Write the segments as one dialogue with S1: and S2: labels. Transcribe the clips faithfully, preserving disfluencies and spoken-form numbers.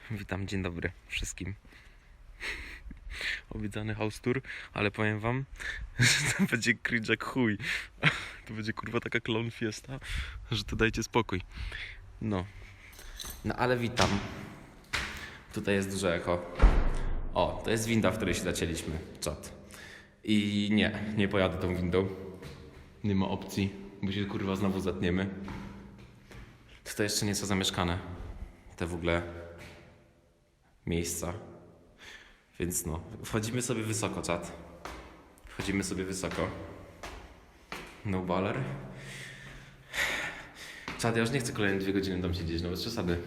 S1: Witam, dzień dobry wszystkim. Obiecany house tour, ale powiem wam, że to będzie cringe jak chuj. To będzie kurwa taka clown fiesta, że to dajcie spokój. No. No ale witam. Tutaj jest duże echo. O, to jest winda, w której się zacięliśmy. Czad. I nie, nie pojadę tą windą. Nie ma opcji, bo się kurwa znowu zatniemy. Tutaj jeszcze nieco zamieszkane. Te w ogóle miejsca. Więc no, wchodzimy sobie wysoko, czat. Wchodzimy sobie wysoko. No baller. Czad, ja już nie chcę kolejne dwie godziny tam siedzieć, no bez przesady.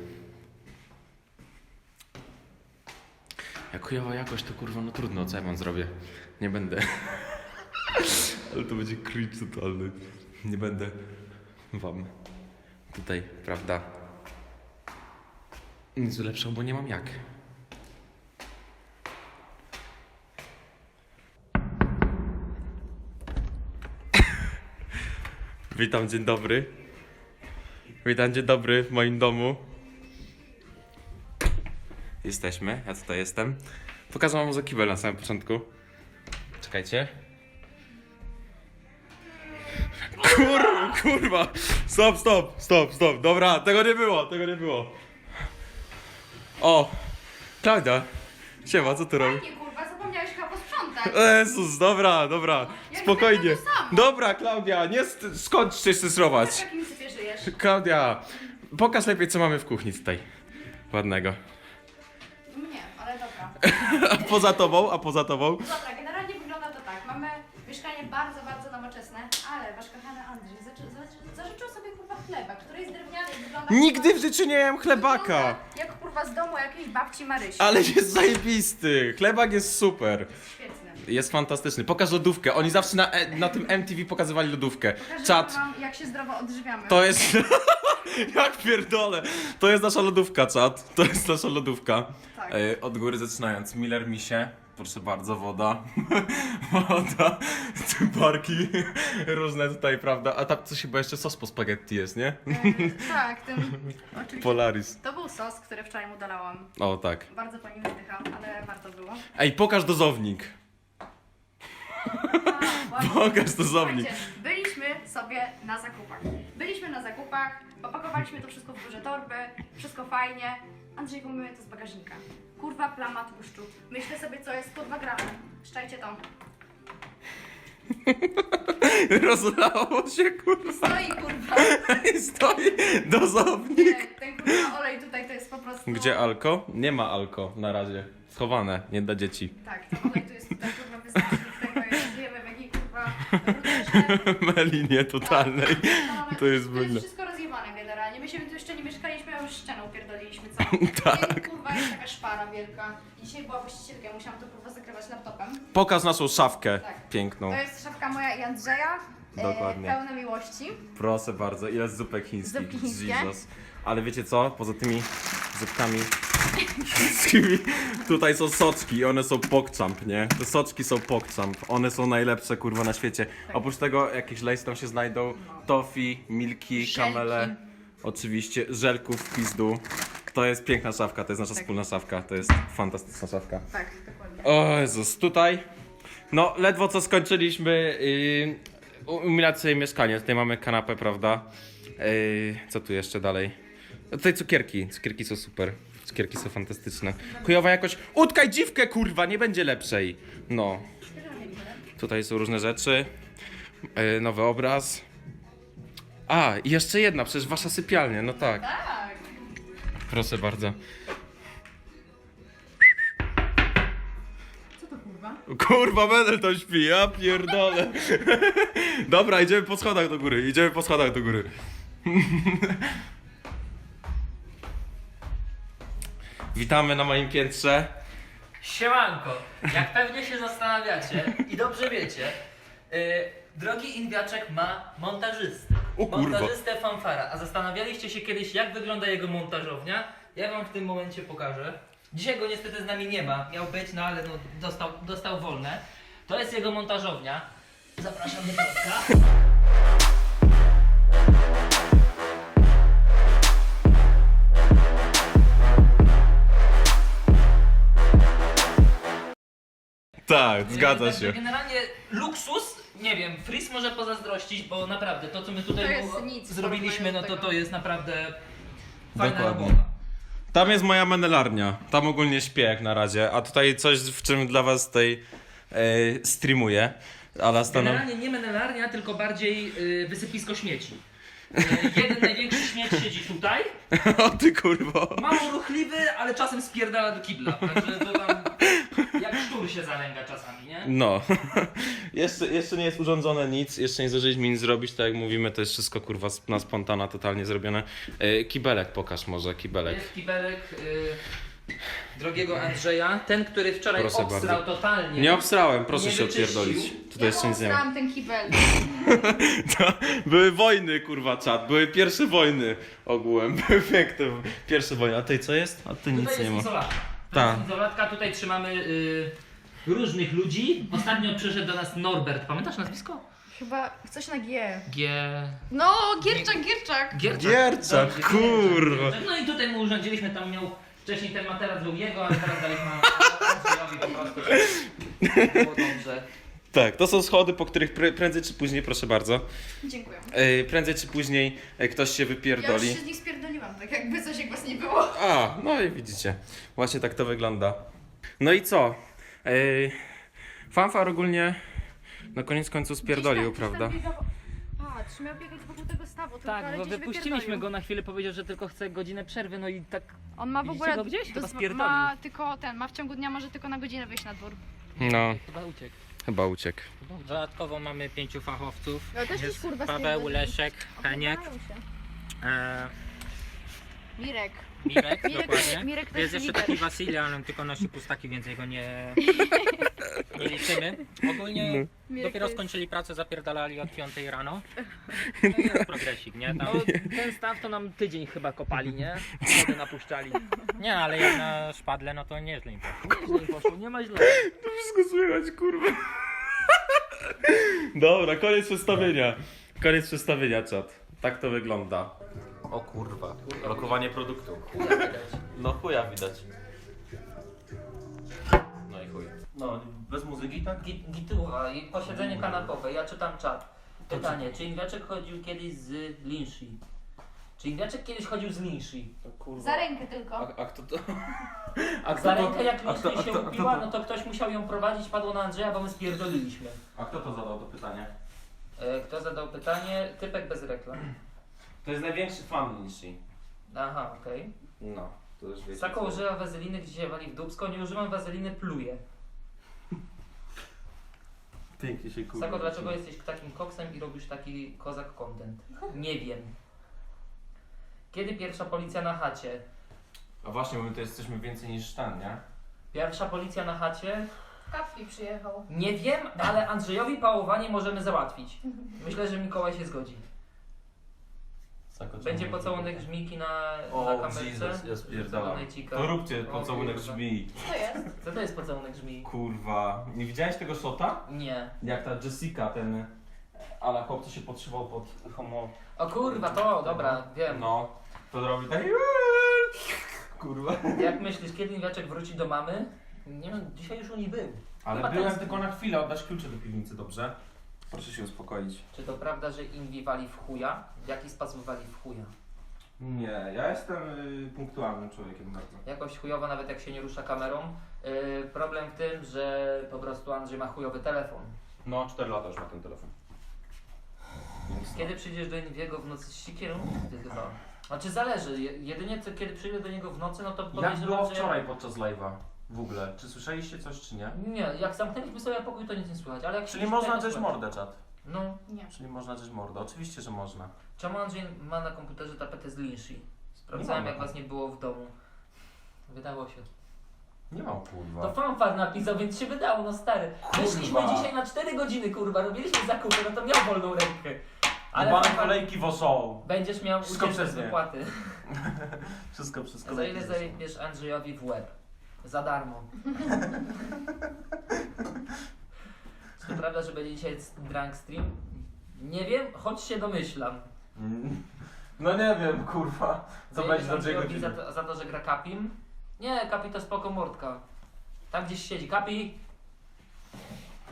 S1: Jak chujowa jakość, to kurwa, no trudno, co ja wam zrobię. Nie będę. Ale to będzie cringe totalny. Nie będę wam tutaj, prawda, nic ulepszał, bo nie mam jak. Witam, dzień dobry. Witam, dzień dobry w moim domu. Jesteśmy, ja tutaj jestem. Pokażę wam za kibel na samym początku. Czekajcie. Kur, kurwa! Stop, stop, stop, stop. Dobra, tego nie było, tego nie było. O! Klaudia! Siema, co ty robisz?
S2: Nie kurwa, zapomniałeś chyba posprzątać.
S1: Jezus, dobra, dobra.
S2: Ja
S1: Spokojnie.
S2: to samo.
S1: Dobra, Klaudia, nie st- skąd chcesz stresrować?
S2: W jakim sypie żyjesz?
S1: Klaudia, pokaż lepiej, co mamy w kuchni tutaj. Ładnego.
S2: Mnie, ale dobra.
S1: A poza tobą, a poza tobą?
S2: Dobra, generalnie wygląda to tak. Mamy mieszkanie bardzo, bardzo nowoczesne, ale wasz kochany Andrzej zaczy, za, zażyczył sobie kurwa chleba, który jest drewniany i wygląda...
S1: Nigdy w
S2: kurwa,
S1: życiu nie jem chlebaka.
S2: wygląda Jak kurwa z domu jakiejś babci Marysi.
S1: Ale jest zajebisty. Chlebak jest super.
S2: Świetny.
S1: Jest fantastyczny. Pokaż lodówkę. Oni zawsze na, e- na tym M T V pokazywali lodówkę.
S2: Pokażę
S1: Czad.
S2: wam, jak się zdrowo odżywiamy.
S1: To jest... Jak pierdolę. To jest nasza lodówka, czad. To jest nasza lodówka.
S2: Tak.
S1: E, od góry zaczynając. Miller Misie. Proszę bardzo, woda. Woda. Barki. Różne tutaj, prawda? A tam coś chyba jeszcze sos po spaghetti jest, nie?
S2: E, tak, ten... Oczywiście.
S1: Polaris.
S2: To był sos, który wczoraj mu dolałam.
S1: O, tak.
S2: Bardzo po nim wydycham, ale warto było.
S1: Ej, pokaż dozownik.
S2: A,
S1: Pokaż dozownik.
S2: Słuchajcie, byliśmy sobie na zakupach. Byliśmy na zakupach, opakowaliśmy to wszystko w duże torby, wszystko fajnie. Andrzej, umymy to z bagażnika. Kurwa, plama tłuszczu. Myślę sobie, co jest po dwa gramy. Szczajcie to.
S1: Rozlało się, kurwa.
S2: Stoi, kurwa.
S1: I stoi dozownik.
S2: Nie, ten kurwa olej tutaj to jest po prostu...
S1: Gdzie alko? Nie ma alko na razie. Schowane, nie dla dzieci.
S2: Tak, ten olej tu jest tutaj, kurwa, wyznacznik tego, jak żyjemy w jakiej, kurwa, brudnej
S1: Melinie totalnej. To jest
S2: To
S1: brudne.
S2: jest wszystko rozjebane generalnie. My się tu jeszcze nie mieszkaliśmy, a już ścianę upierdoliliśmy całą.
S1: Tak.
S2: I kurwa jest taka szpara wielka. I dzisiaj była właścicielka, ja musiałam to kurwa zakrywać laptopem.
S1: Pokaż naszą szafkę
S2: Tak.
S1: piękną.
S2: To jest szafka moja i Andrzeja.
S1: Dokładnie.
S2: E, pełne miłości.
S1: Proszę bardzo, ile zupek chińskich.
S2: Zupki chińskie.
S1: Jesus. Ale wiecie co? Poza tymi zupkami chińskimi, tutaj są soczki i one są pokczamp, nie? Te soczki są pokczamp. One są najlepsze, kurwa, na świecie.
S2: Tak.
S1: Oprócz tego jakieś lejs tam się znajdą. Tofi, milki,
S2: Żelki.
S1: kamele. Oczywiście, żelków w pizdu. To jest piękna szafka, to jest nasza
S2: Tak.
S1: wspólna szafka. To jest fantastyczna szafka.
S2: Tak, dokładnie.
S1: O Jezus, tutaj, no ledwo co skończyliśmy yy, umilać sobie mieszkanie. Tutaj mamy kanapę, prawda? Yy, co tu jeszcze dalej? No tutaj cukierki, cukierki są super. Cukierki są fantastyczne. Chujowa jakoś, utkaj dziwkę, kurwa, nie będzie lepszej. No, tutaj są różne rzeczy. Yy, nowy obraz. A, i jeszcze jedna, przecież wasza sypialnia, no tak.
S2: Tak.
S1: Proszę bardzo.
S2: Co to kurwa?
S1: Kurwa, Menel to śpi, ja pierdolę. Dobra, idziemy po schodach do góry, idziemy po schodach do góry. Witamy na moim piętrze.
S3: Siemanko, jak pewnie się zastanawiacie i dobrze wiecie, yy, drogi Inwiaczek ma montażystę.
S1: O kurwa.
S3: Montażystę Fanfara. A zastanawialiście się kiedyś, jak wygląda jego montażownia? Ja wam w tym momencie pokażę. Dzisiaj go niestety z nami nie ma, miał być, no ale no, dostał, dostał wolne. To jest jego montażownia. Zapraszam do środka.
S1: Tak, zgadza
S3: Także
S1: się.
S3: Generalnie luksus, nie wiem, Fris może pozazdrościć, bo naprawdę to co my tutaj
S2: To jest
S3: mu-
S2: nic w
S3: zrobiliśmy, no
S2: porównaniu
S3: to
S2: do
S3: to
S2: tego.
S3: jest naprawdę fajna
S1: Dokładnie.
S3: robota.
S1: Tam jest moja menelarnia. Tam ogólnie śpię jak na razie. A tutaj coś, w czym dla was tutaj e, streamuję. Ale stanę...
S3: Generalnie nie menelarnia, tylko bardziej y, wysypisko śmieci. Y, jeden największy śmieć siedzi tutaj,
S1: O ty kurwo.
S3: mało ruchliwy, ale czasem spierdala do kibla. Także to tam jak szczur się zalęga czasami, nie?
S1: No. jeszcze, jeszcze nie jest urządzone nic. Jeszcze nie zdążyliśmy nic zrobić. Tak jak mówimy, to jest wszystko kurwa sp- na spontana totalnie zrobione. E, kibelek pokaż może, kibelek.
S3: Jest kibelek y, drogiego Andrzeja, ten, który wczoraj
S1: Proszę
S3: obstrał
S1: bardzo.
S3: totalnie.
S1: Nie obsrałem, proszę
S3: Nie
S1: się
S3: wyczyścił.
S1: odpierdolić. Tutaj
S2: Ja
S1: jeszcze nic nie ma.
S2: mam ten kibel.
S1: To były wojny, kurwa, czat. Były pierwsze wojny ogółem. Były piękne pierwsze wojny. A tutaj co jest? A tu nic
S3: Tutaj
S1: nie
S3: jest
S1: ma.
S3: izolatka. To
S1: Tak.
S3: jest izolatka, tutaj trzymamy y, różnych ludzi. Ostatnio przyszedł do nas Norbert, pamiętasz nazwisko?
S2: Chyba coś na G.
S3: G...
S2: No, Gierczak, Gierczak.
S3: Gierczak.
S1: Gierczak,
S3: Dobrze,
S1: kurwa.
S3: Gierczak. No i tutaj mu urządziliśmy, tam miał wcześniej ten materac był jego, ale teraz daliśmy Andrzejowi po prostu. Było dobrze.
S1: Tak, to są schody, po których pre- prędzej czy później, proszę bardzo,
S2: Dziękuję.
S1: e, prędzej czy później e, ktoś się
S2: Ja już
S1: wypierdoli.
S2: się z nich spierdoliłam, tak jakby coś jak was nie było.
S1: A, no i widzicie. Właśnie tak to wygląda. No i co? E, fanfar ogólnie na koniec końców spierdolił,
S2: Gdzieś tam-
S1: prawda?
S2: gdzieś tam biegał- Patrz, miał biegać wokół tego stawu, tylko
S3: Tak,
S2: ale
S3: bo
S2: gdzieś
S3: wypuściliśmy
S2: wypierdolił.
S3: go na chwilę, powiedział, że tylko chce godzinę przerwy, no i tak...
S2: On ma w
S3: Widzicie
S2: ogóle...
S3: go gdzieś? Chyba
S2: dos-
S3: spierdolił.
S2: ma tylko ten, ma w ciągu dnia może tylko na godzinę wyjść na dwór.
S1: No,
S3: Chyba uciekł.
S1: chyba uciekł.
S4: Dodatkowo mamy pięciu fachowców.
S2: No też
S4: Jest
S2: gdzieś, kurwa,
S4: Paweł,
S2: spierdolił.
S4: Leszek, Heniek,
S2: Oglądają się.
S4: e,
S2: Mirek.
S4: Mirek,
S2: Mirek,
S4: dokładnie.
S2: Mirek to
S4: Jest
S2: jest
S4: jeszcze
S2: lider.
S4: taki Wasyli, ale on tylko nosi pustaki, więc jego nie, nie liczymy. Ogólnie
S2: Mirek
S4: dopiero
S2: to jest-
S4: skończyli pracę, zapierdalali od piątej rano. No i jest progresik, nie? Tam,
S3: No, ten staw to nam tydzień chyba kopali, nie? Wody napuszczali.
S4: nie, ale jak na szpadle, no to nieźle im poszło.
S3: Nieźle im poszło, nie ma źle.
S1: To wszystko słychać, kurwa. Dobra, koniec przedstawienia. Koniec przedstawienia, czat. Tak to wygląda. O kurwa, lokowanie produktu.
S3: Chuja widać.
S1: No chuja widać. No i chuj. No, bez muzyki tak?
S3: Gi- Gituwa i posiedzenie kanapowe, ja czytam czat. Pytanie, czy Ingwiaczek chodził kiedyś z Linshi? Czy Ingwiaczek kiedyś chodził z Linshi?
S1: Kurwa.
S2: Za rękę tylko.
S1: A, a kto to? A kto
S3: Za
S1: to-
S3: rękę jak
S1: a kto-
S3: Linshi
S1: a
S3: się
S1: kto- a kto
S3: upiła,
S1: to-
S3: no to ktoś musiał ją prowadzić, padło na Andrzeja, bo my spierdoliliśmy.
S1: A kto to zadał to pytanie?
S3: E, Kto zadał pytanie? Typek bez reklam.
S1: To jest największy fan Nishi.
S3: Aha, okej.
S1: No, to już wiecie.
S3: Sako
S1: co-
S3: używa wazeliny, gdzie się wali w dupsko, nie używam wazeliny, pluję.
S1: Pięknie się kurwa.
S3: Sako, dlaczego jesteś takim koksem i robisz taki kozak content? Nie wiem. Kiedy pierwsza policja na chacie?
S1: A właśnie, bo my to jesteśmy więcej niż ten, nie?
S3: Pierwsza policja na chacie?
S2: Kapi przyjechał.
S3: Nie wiem, ale Andrzejowi pałowanie możemy załatwić. Myślę, że Mikołaj się zgodzi.
S1: Sako,
S3: Będzie
S1: czemu-
S3: pocałunek żmiki na, na
S1: O,
S3: kamerce.
S1: Jesus, ja spierdala.
S3: Zadonajcika.
S1: To róbcie
S3: O,
S1: pocałunek
S3: kurwa.
S1: brzmi.
S2: Co to jest?
S3: Co to jest pocałunek żmii?
S1: Kurwa. Nie widziałeś tego shota?
S3: Nie.
S1: Jak ta Jessica, ten... Ale chłopcy się podszywał pod homo...
S3: O kurwa, to, dobra, wiem.
S1: No. To robi tak... Kurwa.
S3: Jak myślisz, kiedy Ingwiaczek wróci do mamy? Nie wiem, dzisiaj już u niej był.
S1: Ale
S3: Chyba
S1: byłem
S3: ten-
S1: tylko na chwilę, oddasz klucze do piwnicy, dobrze? Proszę się uspokoić.
S3: Czy to prawda, że Inwi wali w chuja? W jaki sposób wali w chuja?
S1: Nie, ja jestem y, punktualnym człowiekiem bardzo.
S3: Jakoś chujowo, nawet jak się nie rusza kamerą. Yy, problem w tym, że po prostu Andrzej ma chujowy telefon.
S1: No, cztery lata już ma ten telefon. Więc
S3: Kiedy przyjdziesz do Inwiego w nocy z siekierą? Ty chyba. Znaczy zależy, Je- jedynie co, kiedy przyjdę do niego w nocy, no to
S1: Jak
S3: podejrzewam,
S1: było
S3: że...
S1: wczoraj podczas live'a? W ogóle, czy słyszeliście coś, czy nie?
S3: Nie, jak zamknęliśmy sobie pokój, to nic nie słychać, ale jak
S1: Czyli
S3: siedzisz
S1: można
S3: tutaj, to
S1: drzeć
S3: słychać.
S1: mordę, czat.
S3: No,
S2: Nie.
S1: Czyli można drzeć mordę, oczywiście, że można.
S3: czemu Andrzej ma na komputerze tapetę z Linshi? Sprawdzałem,
S1: Nie ma.
S3: jak was nie było w domu. Wydało się.
S1: Nie mam
S3: To
S1: kurwa.
S3: fanfar napisał, więc się wydało, no stary. Wyszliśmy
S1: Kurwa.
S3: dzisiaj na cztery godziny, kurwa, robiliśmy zakupy, no to miał wolną rękę. Ale
S1: Ale
S3: fanfar,
S1: kolejki w show.
S3: będziesz miał
S1: Wszystko
S3: ucieczkę z
S1: przez nie.
S3: wypłaty.
S1: Wszystko, wszystko.
S3: Za ile zajebiesz Andrzejowi w łeb? Za darmo. Czy to prawda, że będzie dzisiaj drunk stream? Nie wiem, choć się domyślam.
S1: Mm. No nie wiem, kurwa. Co
S3: Zajebiesz
S1: będzie do czego
S3: Andrzejowi za to, za to, że gra Kapim? Nie, Kapi to spoko mordka. Tam gdzieś siedzi. Kapi!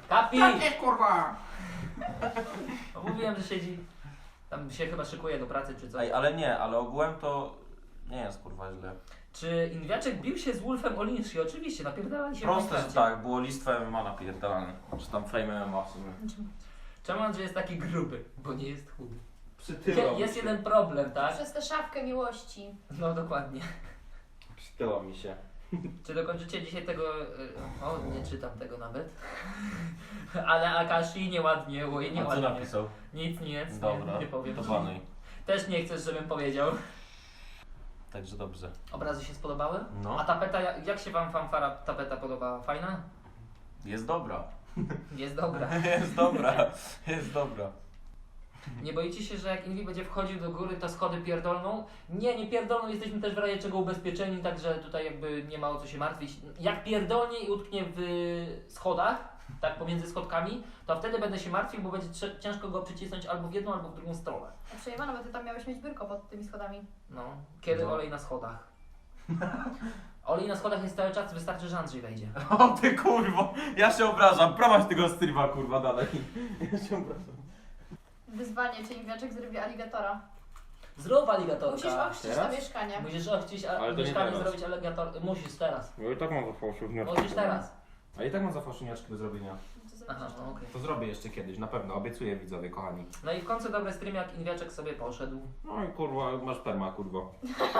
S3: Kapi!
S4: Nie, kurwa!
S3: No, mówiłem, że siedzi. Tam się chyba szykuje do pracy czy coś.
S1: Ej, ale nie, ale ogółem to nie jest kurwa źle.
S3: Czy Inwiaczek bił się z Wolfem Oliński? Oczywiście, napierdalali się w
S1: Proste, że
S3: Minecrafcie.
S1: tak, było listwo M M A napierdalane. Czy tam Fame M M A w sumie.
S3: Czemu Andrzej jest taki gruby? Bo nie jest chudy.
S1: Przytyło mi
S3: Jest
S1: się.
S3: jeden problem, tak?
S2: Przez tę szafkę miłości.
S3: No dokładnie.
S1: Przytyło mi się.
S3: Czy dokończycie dzisiaj tego... y, O, nie czytam tego nawet. Ale Akashi nieładnie, oj,
S1: A co
S3: nieładnie.
S1: napisał?
S3: Nic, nic,
S1: Dobra,
S3: nie, nie powiem.
S1: to banuj.
S3: Też nie chcesz, żebym powiedział.
S1: Także dobrze.
S3: Obrazy się spodobały?
S1: No.
S3: A tapeta, jak, jak się wam fanfara tapeta podobała? Fajna?
S1: Jest dobra.
S3: Jest dobra.
S1: Jest dobra. Jest dobra.
S3: Nie boicie się, że jak Inwi będzie wchodził do góry, to schody pierdolną? Nie, nie pierdolną, jesteśmy też w razie czego ubezpieczeni, także tutaj jakby nie ma o co się martwić. Jak pierdolnie i utknie w schodach, tak pomiędzy schodkami, to wtedy będę się martwił, bo będzie trze- ciężko go przycisnąć albo w jedną, albo w drugą stronę.
S2: A przejebano, bo ty tam miałeś mieć biurko pod tymi schodami.
S3: No, kiedy
S1: No.
S3: olej na schodach? Olej na schodach jest cały czas, wystarczy, że Andrzej wejdzie.
S1: O ty kurwo, ja się obrażam. Prowadź tego streama kurwa dalej. Ja się obrażam.
S2: Wyzwanie, czy Inwiaczek zrobi aligatora.
S3: Zrób aligatorka.
S2: Musisz ochrzcić
S1: Teraz?
S2: to mieszkanie.
S3: Musisz ochcić a-
S1: Ale to nie
S3: mieszkanie,
S1: teraz.
S3: zrobić aligator. Musisz teraz.
S1: Ja i tak mam za fałszywniaczki.
S3: Musisz teraz.
S1: A i tak mam za fałszywniaczki do zrobienia.
S2: To
S3: Aha,
S2: zrobisz.
S3: no okej.
S1: To zrobię jeszcze kiedyś, na pewno. Obiecuję widzowie, kochani.
S3: No i w końcu dobry stream, jak Inwiaczek sobie poszedł.
S1: No i kurwa, masz perma kurwo.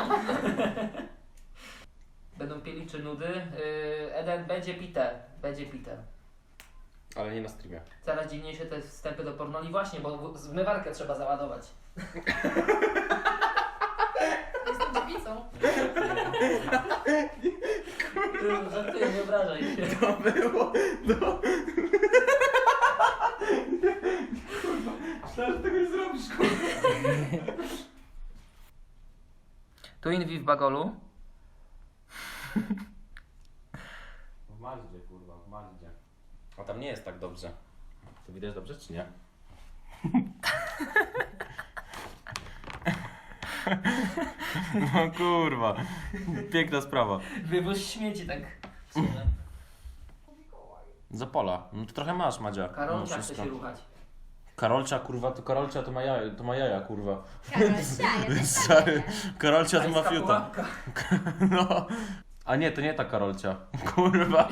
S3: Będą pili czy nudy. Yy, Eden będzie pite. Będzie pite.
S1: Ale nie na streamie.
S3: Coraz dziwniejsze te wstępy do pornoli właśnie, bo w- zmywarkę trzeba załadować.
S2: Jestem dziewicą.
S3: Ty, żartuję, nie obrażaj się.
S1: To było, no. Myślałem, że tego nie zrobisz, kurwa.
S3: Tu Inwi w bagolu.
S1: W Mazdzie, kurwa, w Mazdzie. A tam nie jest tak dobrze. To widać dobrze, czy nie? No kurwa. Piękna sprawa.
S3: Wywóz śmieci tak. w sumie.
S1: Zapola. No to trochę masz, Madzia.
S3: Karolka
S1: No,
S3: chce
S1: wszystko.
S3: się ruchać.
S1: Karolcia, kurwa, to Karolcia to ma jaja, to ma jaja kurwa.
S2: Karol,
S1: Karolcia to ma
S3: Pańska
S1: fiuta.
S3: pułapka.
S1: No. A nie, to nie ta Karolcia. Kurwa.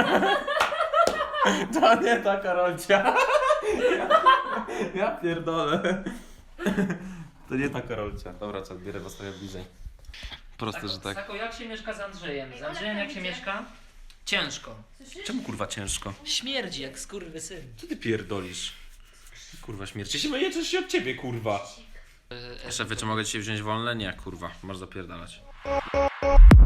S1: To nie ta Karolcia. Ja pierdolę. To nie ta Karolcia. Dobra, co, bierę was trochę bliżej. Proste, że tak.
S3: Sako, jak się mieszka z Andrzejem? Z
S2: Ej,
S3: Andrzejem
S2: Ola,
S3: jak się
S2: idzie.
S3: mieszka? Ciężko.
S2: Słyszysz?
S1: Czemu kurwa ciężko?
S3: Śmierdzi jak skurwysyn.
S1: Co ty pierdolisz? Kurwa śmierci się myjecie się od ciebie, kurwa. Szefie, czy mogę dzisiaj wziąć wolne? Nie, kurwa. Masz zapierdalać.